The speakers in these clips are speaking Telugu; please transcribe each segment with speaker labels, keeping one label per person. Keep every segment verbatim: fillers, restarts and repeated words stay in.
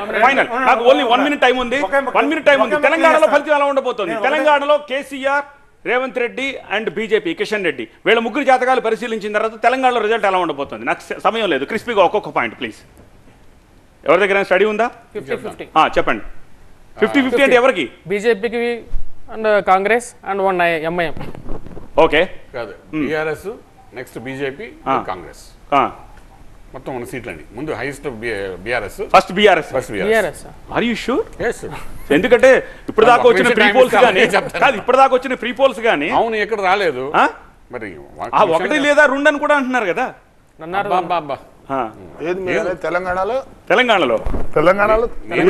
Speaker 1: ఫైనల్ నాకు ఓన్లీ వన్ మినిట్ టైం ఉంది వన్ మినిట్ టైం ఉంది తెలంగాణలో ఫలితం ఎలా ఉండబోతోంది తెలంగాణలో కేసీఆర్ రేవంత్ రెడ్డి అండ్ బీజేపీ కిషన్ రెడ్డి వీళ్ళ ముగ్గురు జాతకాలు పరిశీలించిన తర్వాత తెలంగాణలో రిజల్ట్ ఎలా ఉండబోతుంది నాకు సమయం లేదు క్రిస్పీగా ఒక్కొక్క పాయింట్ ప్లీజ్ ఎవరి దగ్గర స్టడీ ఉందా చెప్పండి ఫిఫ్టీ ఫిఫ్టీ అంటే ఎవరికి
Speaker 2: బీజేపీకి and Congress and one MIM
Speaker 1: okay
Speaker 3: కాదు టీఆర్ఎస్ నెక్స్ట్ బీజేపీ కాంగ్రెస్ మొత్తం ఉన్న సీట్లండి ముందు highest BRS
Speaker 1: first BRS
Speaker 3: first
Speaker 2: BRS
Speaker 1: are you sure
Speaker 3: BRS
Speaker 1: ఎందుకంటే ఇప్పుడు దాకా వచ్చిన ఫ్రీ పోల్స్ కానీ కాదు ఇప్పుడు దాకా వచ్చిన ఫ్రీ పోల్స్ కానీ
Speaker 3: అవును ఎక్కడ రాలేదు మరి
Speaker 1: ఒకటి లేదా రెండు అని కూడా అంటున్నారు కదా
Speaker 4: తెలంగాణలో
Speaker 1: తెలంగాణలో
Speaker 4: తెలంగాణలో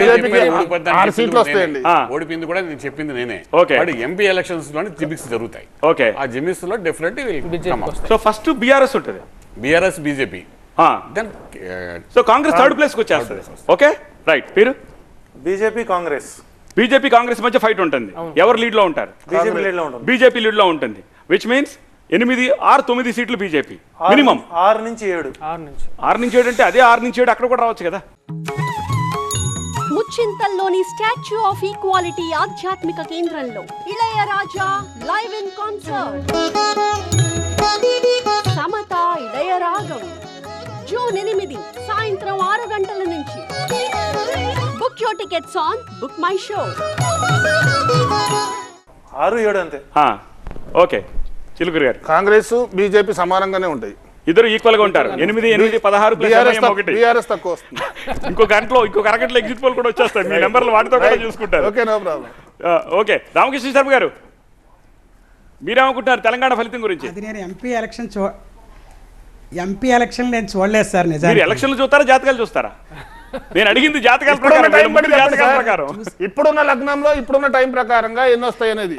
Speaker 3: ఓడిపోయింది కూడా నేను చెప్పింది నేనే
Speaker 1: ఓకే
Speaker 3: ఎంపీ ఎలక్షన్స్ లోని జిమిక్స్ జరుగుతాయి
Speaker 1: ఓకే
Speaker 3: ఆ జిమిక్స్ లో డెఫినెట్లీ
Speaker 1: సో ఫస్ట్ బీఆర్ఎస్ ఉంటుంది
Speaker 3: BRS BJP then
Speaker 1: so Congress third place కి వచ్చేస్తుంది ఓకే రైట్ మీరు
Speaker 5: బీజేపీ కాంగ్రెస్
Speaker 1: బీజేపీ కాంగ్రెస్ మధ్య ఫైట్ ఉంటుంది ఎవరు లీడ్ లో ఉంటారు
Speaker 5: బీజేపీ లీడ్ లో ఉంటుంది
Speaker 1: బీజేపీ లీడ్ లో ఉంటుంది విచ్ మీన్స్ ఎనిమిది ఆరు తొమ్మిది సీట్లు బీజేపీ మినిమం
Speaker 5: ఆరు నుంచి ఏడు
Speaker 2: ఆరు నుంచి
Speaker 1: ఆరు నుంచి ఏడు అంటే అదే ఆరు నుంచి ఏడు అక్కడ కూడా రావచ్చు కదా
Speaker 6: ముచ్చింతల్లోని స్టాచ్యూ ఆఫ్ ఈక్వాలిటీ ఆధ్యాత్మిక కేంద్రంలో Ilaiyaraaja live in concert Samatha Ilayaragam June ఎనిమిది సాయంత్రం ఆరు గంటల నుంచి book your tickets on book my show
Speaker 5: ఆరు ఏడు అంతే
Speaker 1: ఓకే చిలుకూరు గారు
Speaker 4: కాంగ్రెస్ బీజేపీ సమానంగానే ఉంటాయి
Speaker 1: ఇద్దరు ఈక్వల్ గా ఉంటారు ఎనిమిది ఎనిమిది పదహారు ఒకటి
Speaker 4: బీఆర్ఎస్ తక్కువ వస్తుంది
Speaker 1: ఇంకో గంటలో ఇంకొక అరగంటలో ఎగ్జిట్ పోల్ కూడా వచ్చేస్తాయి మీ నెంబర్లు వాటితో కూడా చూసుకుంటారు
Speaker 4: okay no problem
Speaker 1: okay Ramakrishna Sharma garu మీరేమనుకుంటున్నారు తెలంగాణ ఫలితం గురించి
Speaker 7: అది నేను ఎంపీ ఎలక్షన్ చూ ఎంపీ ఎలక్షన్ నేను చూడలేదు సార్ నిజానికి
Speaker 1: ఎలక్షన్లు చూస్తారా జాతకాలు చూస్తారా నేను అడిగింది జాతకాల ప్రకారం
Speaker 4: ఇప్పుడున్న లగ్నంలో ఇప్పుడున్న టైం ప్రకారంగా ఎన్ని వస్తాయి అనేది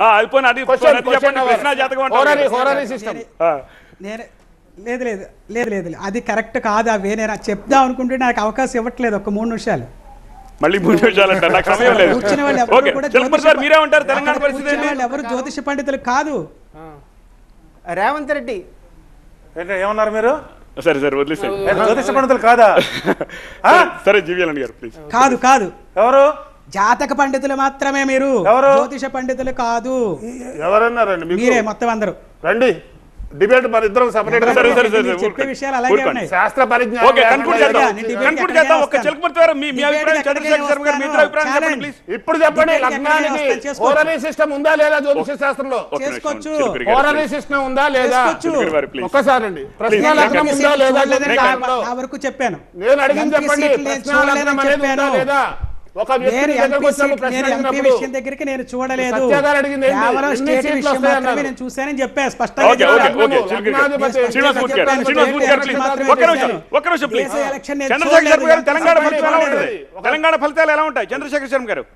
Speaker 7: నేను లేదు లేదు లేదు లేదు అది కరెక్ట్ కాదు అవే నేను చెప్దాం అనుకుంటే నాకు అవకాశం ఇవ్వట్లేదు ఒక మూడు నిమిషాలు
Speaker 1: మళ్ళీ మూడు నిమిషాలు అంటారు నాకు సమయం లేదు
Speaker 7: కూర్చునే వాళ్ళు ఎవరు జ్యోతిష పండితులు కాదు
Speaker 8: రేవంత్ రెడ్డి
Speaker 5: ఏమన్నారు మీరు
Speaker 1: సరే సరే వదిలేసారు
Speaker 5: జ్యోతిష పండితులు కాదా
Speaker 1: సరే జీవీఎల్ గారు ప్లీజ్
Speaker 7: కాదు కాదు
Speaker 5: ఎవరు
Speaker 7: జాతక పండితులు మాత్రమే మీరు
Speaker 5: ఎవరు
Speaker 7: జ్యోతిష పండితులు కాదు
Speaker 4: ఎవరన్నారండి
Speaker 7: మీరే మొత్తం అందరూ
Speaker 4: రండి డిబేట్ మరి ఇద్దరం సెపరేట్ గా
Speaker 7: చెప్పే విషయాలు అలాగే ఉన్నాయి
Speaker 4: శాస్త్ర పరిజ్ఞానం
Speaker 1: ఓకే కన్క్లూడ్ చేద్దాం కన్క్లూడ్ చేద్దాం ఒక చిలకమర్తి గారు మీ మీ అభిప్రాయం చంద్రశేఖర్ శర్మ గారు మీ ఇద్దరు అభిప్రాయం చెప్పండి ప్లీజ్
Speaker 4: ఇప్పుడు చెప్పండి లగ్నానికి హోరరీ సిస్టమ్ ఉందా లేదా జ్యోతిష శాస్త్రంలో
Speaker 7: చేసుకోవచ్చు
Speaker 4: హోరరీ సిస్టమ్ ఉందా లేదా ఒక్కసారి అండి ప్రశ్న లగ్నం ఉందా లేదా
Speaker 7: ఆ వరకు చెప్పాను
Speaker 4: నేను అడిగింది చెప్పండి ప్రశ్న లగ్నం అనేది ఉందా లేదా ఒక వ్యక్తి దగ్గరికి వచ్చినప్పుడు ప్రశ్న అడిగినప్పుడు
Speaker 7: విషయం దగ్గరికి నేను చూడలేదు
Speaker 4: సత్యాగారు అడిగింది
Speaker 7: కేవలం స్టేట్ విషయం మాత్రమే నేను చూశానని చెప్పాను స్పష్టంగా
Speaker 1: okay okay okay Srinivas Murthy garu Srinivas Murthy గారు ప్లీజ్ ఒక్క నిమిషం ఒక్క నిమిషం ప్లీజ్ చంద్రశేఖర్ శర్మ గారు తెలంగాణ ఫలితాలు ఎలా ఉంటాయి తెలంగాణ ఫలితాలు ఎలా ఉంటాయి చంద్రశేఖర్ శర్మ గారు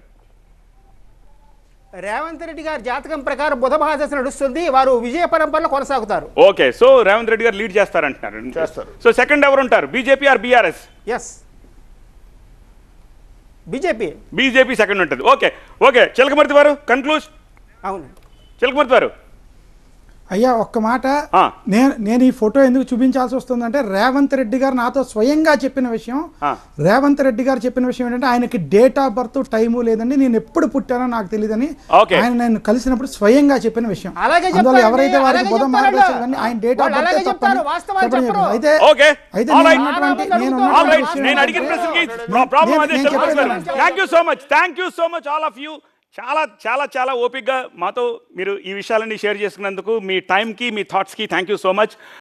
Speaker 8: రేవంత్ రెడ్డి గారి జాతకం ప్రకారం బుధ మహాదశ నడుస్తుంది వారు విజయ పరంపరలో కొనసాగుతారు
Speaker 1: okay so Revanth Reddy garu lead చేస్తారంటున్నారు
Speaker 4: చేస్తారు
Speaker 1: సో సెకండ్ ఎవరు ఉంటారు BJP or BRS
Speaker 8: yes BJP
Speaker 1: BJP second ఉంటుంది ఓకే ఓకే చిలకమర్తి వారు కన్క్లూజ్
Speaker 8: అవును
Speaker 1: చిలకమర్తి వారు
Speaker 9: అయ్యా ఒక్క మాట నేను నేను ఈ ఫోటో ఎందుకు చూపించాల్సి వస్తుందంటే రేవంత్ రెడ్డి గారు నాతో స్వయంగా చెప్పిన విషయం రేవంత్ రెడ్డి గారు చెప్పిన విషయం ఏంటంటే ఆయనకి డేట్ ఆఫ్ బర్త్ టైము లేదండి నేను ఎప్పుడు పుట్టానో నాకు తెలియదని ఆయన నేను కలిసినప్పుడు స్వయంగా చెప్పిన విషయం అందువల్ల ఎవరైతే వారికి బుధ మార్గదర్శనం ఆయన డేట్ ఆఫ్ బర్త్ తప్పని అయితే అయితే
Speaker 1: నేను అడిగిన ప్రశ్నకి ప్రాబ్లం అదే thank you so much thank you so much all of you చాలా చాలా చాలా ఓపిక్గా మాతో మీరు ఈ విషయాలన్నీ షేర్ చేసుకున్నందుకు మీ టైంకి మీ థాట్స్కి థ్యాంక్ యూ సో మచ్